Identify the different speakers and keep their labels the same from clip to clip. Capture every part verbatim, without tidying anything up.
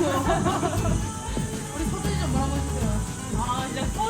Speaker 1: 우리 소진이 좀 뭐라고 해주세요. 아 진짜 소.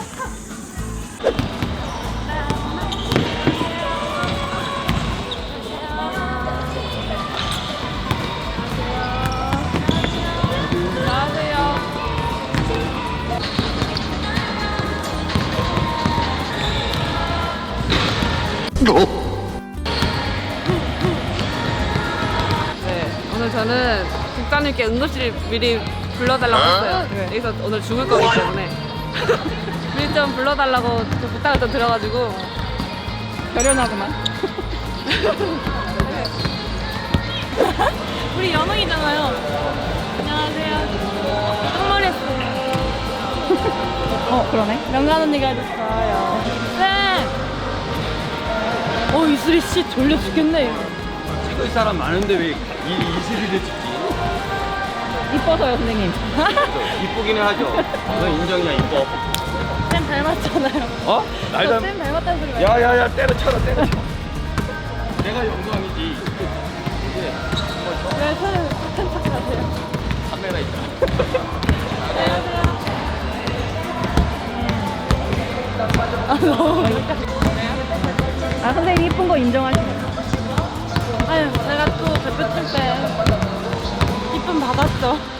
Speaker 1: 네, 오늘 저는 국장님께 응급실 미리 불러달라고 했어요.
Speaker 2: 네.
Speaker 1: 여기서 오늘 죽을 거기 때문에 미리 좀 불러달라고 좀 부탁을 좀 드려가지고 결연하구만. 우리 연웅이잖아요. 안녕하세요. 똥머리 했어요. 어, 그러네. 명란 언니가 해줬어요. 네. 어, 이슬이 씨 졸려 죽겠네.
Speaker 2: 찍을 사람 많은데 왜 이, 이슬이를 찍지?
Speaker 1: 이뻐서요, 선생님.
Speaker 2: 이쁘기는 하죠. 너 인정이야, 이뻐.
Speaker 1: 쌤 닮았잖아요.
Speaker 2: 어? 날 닮...
Speaker 1: 쌤 닮았다는 소리가.
Speaker 2: 야야야 때려쳐라 때려쳐. 내가 영광이지. 그래.
Speaker 1: 왜 쌤, 쌤 착하세요?
Speaker 2: 카메라 있다.
Speaker 1: 안녕하세요. 아, 너무 아, 선생님 이쁜 거 인정하시네요. 아유, 제가 또 대표 칠 때 이쁨 받았죠.